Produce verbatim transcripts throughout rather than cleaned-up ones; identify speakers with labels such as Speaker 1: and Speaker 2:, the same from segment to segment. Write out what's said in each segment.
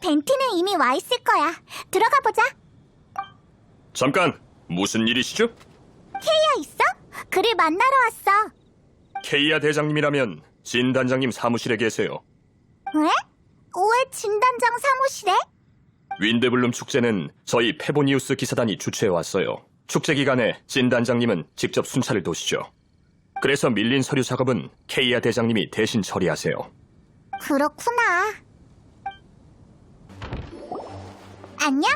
Speaker 1: 벤티는 이미 와 있을 거야. 들어가 보자.
Speaker 2: 잠깐, 무슨 일이시죠?
Speaker 1: 케이야 있어? 그를 만나러 왔어.
Speaker 2: 케이아 대장님이라면 진 단장님 사무실에 계세요.
Speaker 1: 왜? 왜 진단장 사무실에?
Speaker 2: 윈드블룸 축제는 저희 페보니우스 기사단이 주최해왔어요. 축제 기간에 진 단장님은 직접 순찰을 도시죠. 그래서 밀린 서류 작업은 케이아 대장님이 대신 처리하세요.
Speaker 1: 그렇구나. 안녕?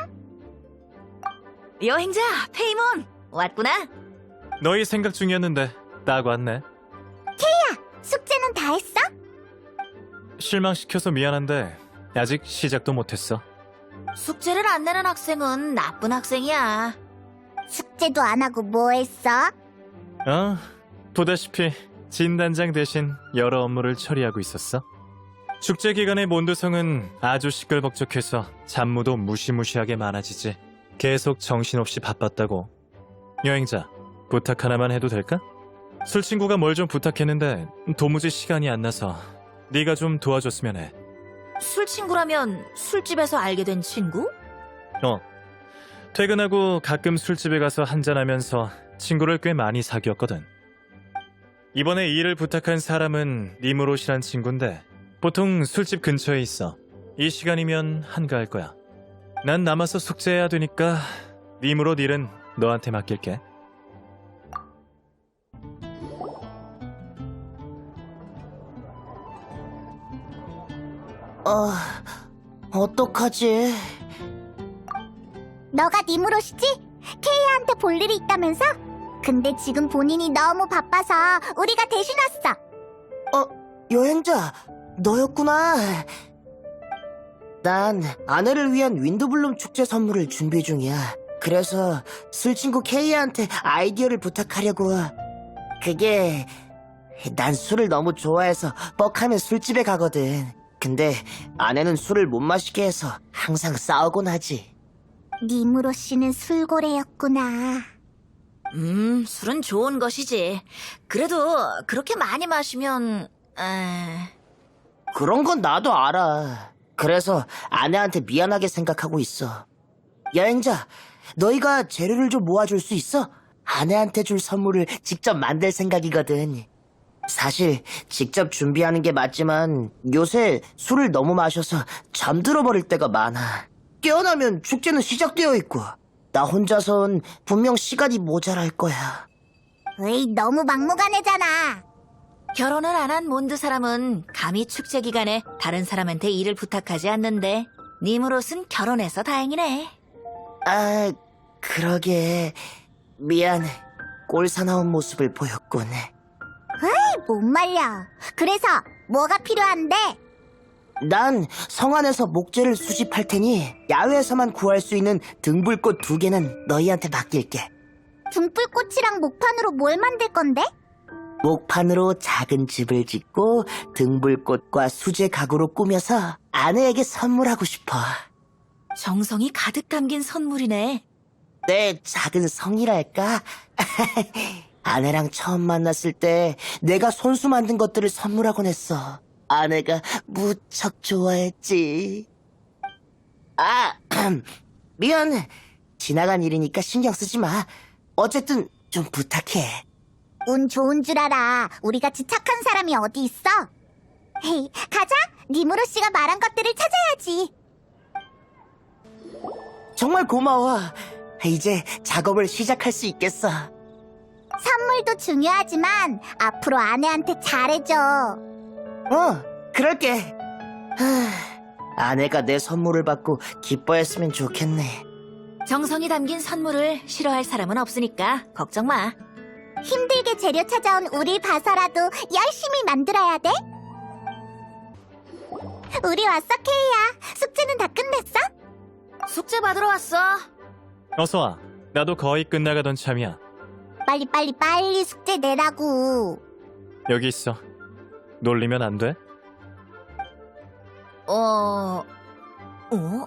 Speaker 3: 여행자 페이몬 왔구나.
Speaker 4: 너희 생각 중이었는데 딱 왔네.
Speaker 1: 숙제는 다 했어?
Speaker 4: 실망시켜서 미안한데 아직 시작도 못했어.
Speaker 3: 숙제를 안 내는 학생은 나쁜 학생이야.
Speaker 1: 숙제도 안 하고 뭐 했어?
Speaker 4: 어, 보다시피 진 단장 대신 여러 업무를 처리하고 있었어. 축제 기간에 몬드성은 아주 시끌벅적해서 잡무도 무시무시하게 많아지지. 계속 정신없이 바빴다고. 여행자, 부탁 하나만 해도 될까? 술친구가 뭘 좀 부탁했는데 도무지 시간이 안 나서 네가 좀 도와줬으면 해.
Speaker 3: 술 친구라면 술집에서 알게 된 친구?
Speaker 4: 어, 퇴근하고 가끔 술집에 가서 한잔하면서 친구를 꽤 많이 사귀었거든. 이번에 이 일을 부탁한 사람은 니무롯이란 친구인데 보통 술집 근처에 있어. 이 시간이면 한가할 거야. 난 남아서 숙제해야 되니까 니무롯 일은 너한테 맡길게.
Speaker 5: 어, 어떡하지?
Speaker 1: 너가 니무롯이지? 케이한테 볼 일이 있다면서? 근데 지금 본인이 너무 바빠서 우리가 대신 왔어.
Speaker 5: 어, 여행자, 너였구나. 난 아내를 위한 윈드블룸 축제 선물을 준비 중이야. 그래서 술친구 케이한테 아이디어를 부탁하려고. 그게 난 술을 너무 좋아해서 뻑하면 술집에 가거든. 근데 아내는 술을 못 마시게 해서 항상 싸우곤 하지.
Speaker 1: 니무롯 씨는 술고래였구나.
Speaker 3: 음, 술은 좋은 것이지. 그래도 그렇게 많이 마시면... 에...
Speaker 5: 그런 건 나도 알아. 그래서 아내한테 미안하게 생각하고 있어. 여행자, 너희가 재료를 좀 모아줄 수 있어? 아내한테 줄 선물을 직접 만들 생각이거든. 사실 직접 준비하는 게 맞지만 요새 술을 너무 마셔서 잠들어 버릴 때가 많아. 깨어나면 축제는 시작되어 있고 나 혼자선 분명 시간이 모자랄 거야.
Speaker 1: 에이, 너무 막무가내잖아.
Speaker 3: 결혼을 안 한 몬드 사람은 감히 축제 기간에 다른 사람한테 일을 부탁하지 않는데 니무롯은 결혼해서 다행이네.
Speaker 5: 아, 그러게. 미안. 꼴사나운 모습을 보였군.
Speaker 1: 못 말려. 그래서 뭐가 필요한데?
Speaker 5: 난 성안에서 목재를 수집할 테니 야외에서만 구할 수 있는 등불꽃 두 개는 너희한테 맡길게.
Speaker 1: 등불꽃이랑 목판으로 뭘 만들 건데?
Speaker 5: 목판으로 작은 집을 짓고 등불꽃과 수제 가구로 꾸며서 아내에게 선물하고 싶어.
Speaker 3: 정성이 가득 담긴 선물이네.
Speaker 5: 내 작은 성이랄까? 아내랑 처음 만났을 때 내가 손수 만든 것들을 선물하곤 했어. 아내가 무척 좋아했지. 아, 미안. 지나간 일이니까 신경 쓰지 마. 어쨌든 좀 부탁해.
Speaker 1: 운 좋은 줄 알아. 우리같이 착한 사람이 어디 있어? 헤이, 가자. 니무롯 씨가 말한 것들을 찾아야지.
Speaker 5: 정말 고마워. 이제 작업을 시작할 수 있겠어.
Speaker 1: 선물도 중요하지만 앞으로 아내한테 잘해줘.
Speaker 5: 어, 그럴게. 하, 아내가 내 선물을 받고 기뻐했으면 좋겠네.
Speaker 3: 정성이 담긴 선물을 싫어할 사람은 없으니까 걱정 마.
Speaker 1: 힘들게 재료 찾아온 우리 봐서라도 열심히 만들어야 돼. 우리 왔어, 케이야. 숙제는 다 끝냈어?
Speaker 3: 숙제 받으러 왔어.
Speaker 4: 어서 와. 나도 거의 끝나가던 참이야.
Speaker 1: 빨리 빨리 빨리 숙제 내라고.
Speaker 4: 여기 있어. 놀리면 안 돼?
Speaker 3: 어... 어?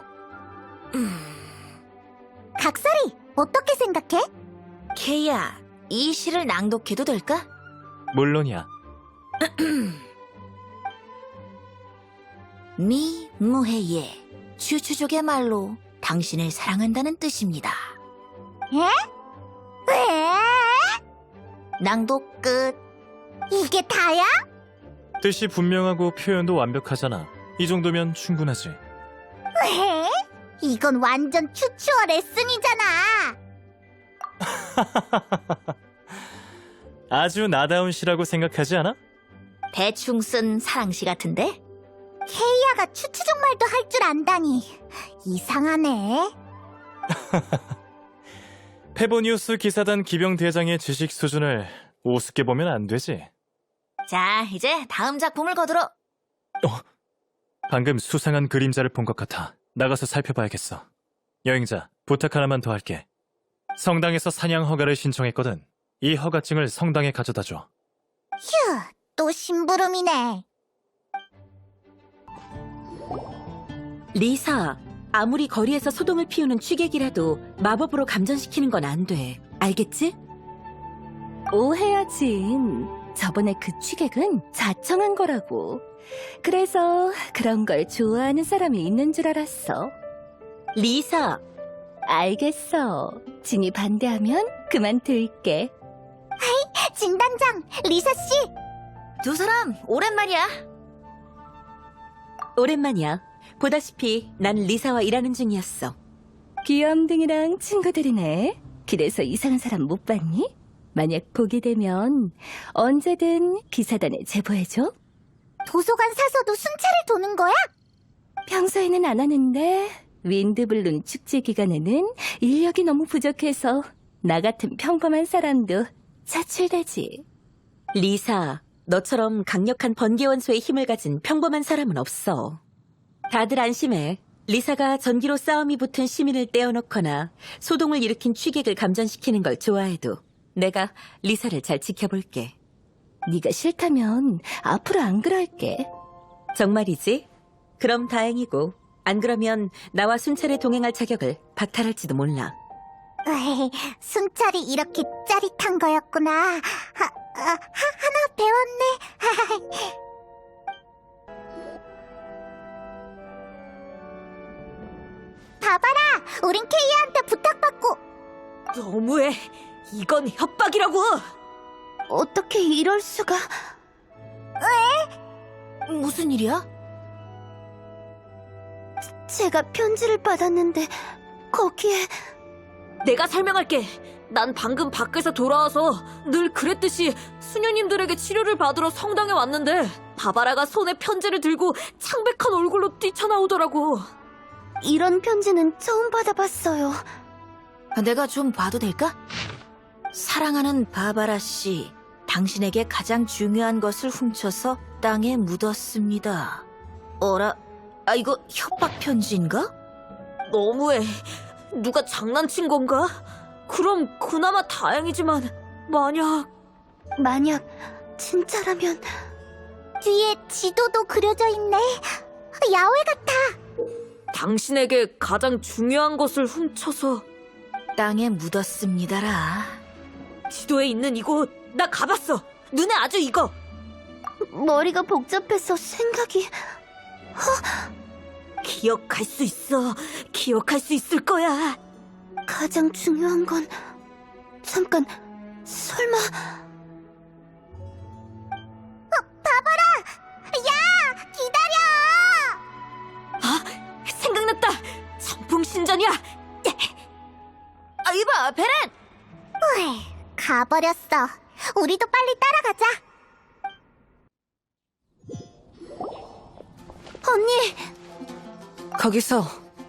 Speaker 1: 각설이, 어떻게 생각해?
Speaker 3: 케이야, 이 시를 낭독해도 될까?
Speaker 4: 물론이야.
Speaker 3: 미 무해예 추추족의 말로 당신을 사랑한다는 뜻입니다.
Speaker 1: 왜?
Speaker 3: 낭독 끝.
Speaker 1: 이게 다야?
Speaker 4: 뜻이 분명하고 표현도 완벽하잖아. 이 정도면 충분하지.
Speaker 1: 왜? 이건 완전 추추어 레슨이잖아.
Speaker 4: 아주 나다운 시라고 생각하지 않아?
Speaker 3: 대충 쓴 사랑시 같은데?
Speaker 1: 케이아가 추추족 말도 할 줄 안다니 이상하네.
Speaker 4: 페보니우스 기사단 기병 대장의 지식 수준을 우습게 보면 안 되지.
Speaker 3: 자, 이제 다음 작품을 거들어.
Speaker 4: 방금 수상한 그림자를 본 것 같아. 나가서 살펴봐야겠어. 여행자, 부탁 하나만 더 할게. 성당에서 사냥 허가를 신청했거든. 이 허가증을 성당에 가져다 줘.
Speaker 1: 휴, 또 심부름이네.
Speaker 6: 리사, 아무리 거리에서 소동을 피우는 취객이라도 마법으로 감전시키는 건 안 돼. 알겠지? 오해하지. 저번에 그 취객은 자청한 거라고. 그래서 그런 걸 좋아하는 사람이 있는 줄 알았어. 리사, 알겠어. 진이 반대하면 그만 둘게.
Speaker 1: 진단장, 리사씨.
Speaker 3: 두 사람 오랜만이야.
Speaker 6: 오랜만이야. 보다시피 난 리사와 일하는 중이었어. 귀염둥이랑 친구들이네. 길에서 이상한 사람 못 봤니? 만약 보게 되면 언제든 기사단에 제보해줘.
Speaker 1: 도서관 사서도 순찰을 도는 거야?
Speaker 6: 평소에는 안 하는데 윈드블룬 축제 기간에는 인력이 너무 부족해서 나 같은 평범한 사람도 차출되지. 리사, 너처럼 강력한 번개원소의 힘을 가진 평범한 사람은 없어. 다들 안심해. 리사가 전기로 싸움이 붙은 시민을 떼어놓거나 소동을 일으킨 취객을 감전시키는 걸 좋아해도 내가 리사를 잘 지켜볼게. 네가 싫다면 앞으로 안 그럴게. 정말이지? 그럼 다행이고 안 그러면 나와 순찰에 동행할 자격을 박탈할지도 몰라.
Speaker 1: 에이, 순찰이 이렇게 짜릿한 거였구나. 하, 아, 하, 하나 배웠네. 봐봐라, 우린 케이아한테 부탁받고.
Speaker 6: 너무해. 이건 협박이라고. 어떻게 이럴 수가.
Speaker 3: 무슨 일이야?
Speaker 6: 제가 편지를 받았는데 거기에. 내가 설명할게. 난 방금 밖에서 돌아와서 늘 그랬듯이 수녀님들에게 치료를 받으러 성당에 왔는데 바바라가 손에 편지를 들고 창백한 얼굴로 뛰쳐나오더라고. 이런 편지는 처음 받아봤어요.
Speaker 3: 내가 좀 봐도 될까? 사랑하는 바바라 씨, 당신에게 가장 중요한 것을 훔쳐서 땅에 묻었습니다. 어라, 아 이거 협박 편지인가?
Speaker 6: 너무해. 누가 장난친 건가? 그럼 그나마 다행이지만 만약 만약 진짜라면.
Speaker 1: 뒤에 지도도 그려져 있네. 야외 같아.
Speaker 6: 당신에게 가장 중요한 것을 훔쳐서.
Speaker 3: 땅에 묻었습니다라.
Speaker 6: 지도에 있는 이곳 나 가봤어. 눈에 아주 익어. 머리가 복잡해서 생각이. 허? 기억할 수 있어. 기억할 수 있을 거야. 가장 중요한 건 잠깐 설마.
Speaker 1: 야, 기다려.
Speaker 6: 아, 생각났다. 선풍신전이야.
Speaker 3: 아 이봐, 베렌!
Speaker 1: 으이, 가버렸어. 우리도 빨리 따라가자.
Speaker 6: 언니.
Speaker 3: 거기서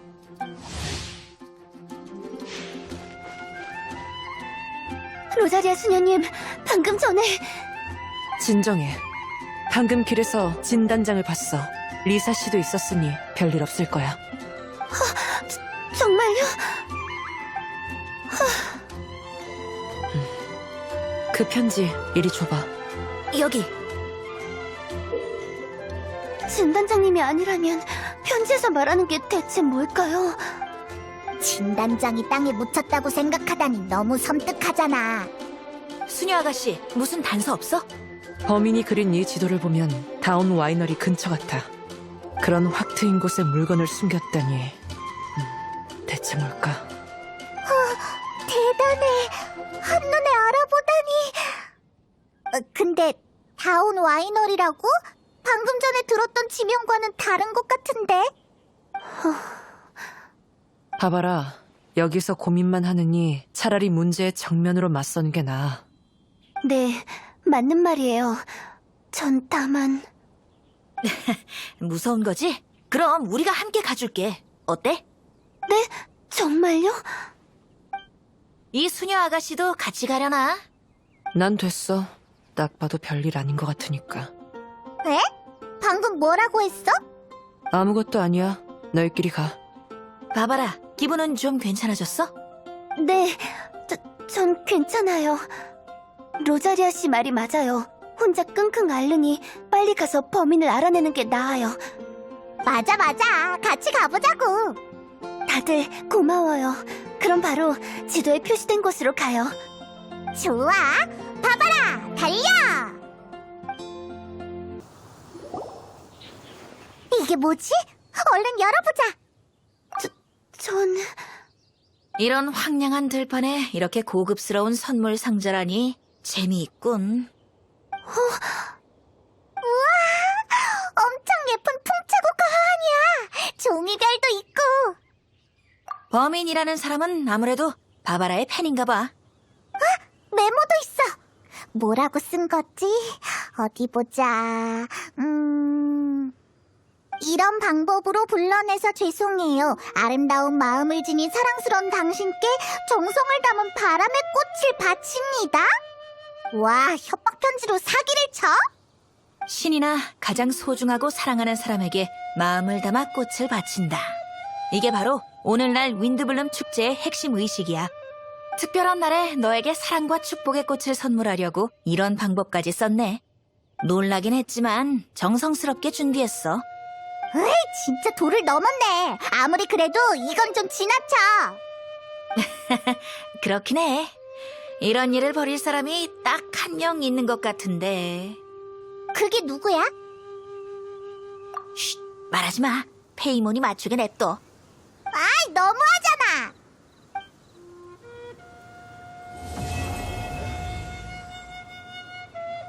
Speaker 6: 로자리아 수녀님, 방금 전에.
Speaker 7: 진정해. 방금 길에서 진단장을 봤어. 리사 씨도 있었으니 별일 없을 거야.
Speaker 6: 정말요?
Speaker 7: 그 편지 이리 줘봐.
Speaker 3: 여기.
Speaker 6: 진단장님이 아니라면 편지에서 말하는 게 대체 뭘까요?
Speaker 1: 진단장이 땅에 묻혔다고 생각하다니 너무 섬뜩하잖아.
Speaker 3: 수녀 아가씨, 무슨 단서 없어?
Speaker 7: 범인이 그린 이 지도를 보면 다운 와이너리 근처 같아. 그런 확 트인 곳에 물건을 숨겼다니. 음, 대체 뭘까?
Speaker 1: 대단해. 한눈에 알아보다니. 어, 근데 다운 와이너리라고? 방금 전에 들었던 지명과는 다른 것 같은데?
Speaker 7: 봐봐라. 여기서 고민만 하느니 차라리 문제에 정면으로 맞서는 게 나아.
Speaker 1: 네, 맞는 말이에요. 전 다만...
Speaker 3: 무서운 거지? 그럼 우리가 함께 가줄게. 어때?
Speaker 1: 네? 정말요?
Speaker 3: 이 수녀 아가씨도 같이 가려나?
Speaker 7: 난 됐어. 딱 봐도 별일 아닌 것 같으니까.
Speaker 1: 에? 방금 뭐라고 했어?
Speaker 7: 아무것도 아니야. 너희끼리 가.
Speaker 3: 바바라, 기분은 좀 괜찮아졌어?
Speaker 1: 네, 저, 전 괜찮아요. 로자리아 씨 말이 맞아요. 혼자 끙끙 앓으니 빨리 가서 범인을 알아내는 게 나아요. 맞아, 맞아. 같이 가보자고. 다들 고마워요. 그럼 바로 지도에 표시된 곳으로 가요. 좋아. 바바라, 달려! 이게 뭐지? 얼른 열어보자. 저, 전...
Speaker 3: 이런 황량한 들판에 이렇게 고급스러운 선물 상자라니 재미있군.
Speaker 1: 엄청 예쁜 풍차고 가환이야. 종이별도 있고.
Speaker 3: 범인이라는 사람은 아무래도 바바라의 팬인가 봐.
Speaker 1: 메모도 있어. 뭐라고 쓴 거지? 어디 보자. 음... 이런 방법으로 불러내서 죄송해요. 아름다운 마음을 지닌 사랑스러운 당신께 정성을 담은 바람의 꽃을 바칩니다. 와, 협박 편지로 사기를 쳐?
Speaker 3: 신이나 가장 소중하고 사랑하는 사람에게 마음을 담아 꽃을 바친다. 이게 바로 오늘날 윈드블룸 축제의 핵심 의식이야. 특별한 날에 너에게 사랑과 축복의 꽃을 선물하려고 이런 방법까지 썼네. 놀라긴 했지만 정성스럽게 준비했어.
Speaker 1: 에이, 진짜 도를 넘었네. 아무리 그래도 이건 좀 지나쳐.
Speaker 3: 그렇긴 해. 이런 일을 벌일 사람이 딱 한 명 있는 것 같은데.
Speaker 1: 그게 누구야?
Speaker 3: 쉿, 말하지 마. 페이몬이 맞추게 냅둬.
Speaker 1: 아이, 너무하잖아.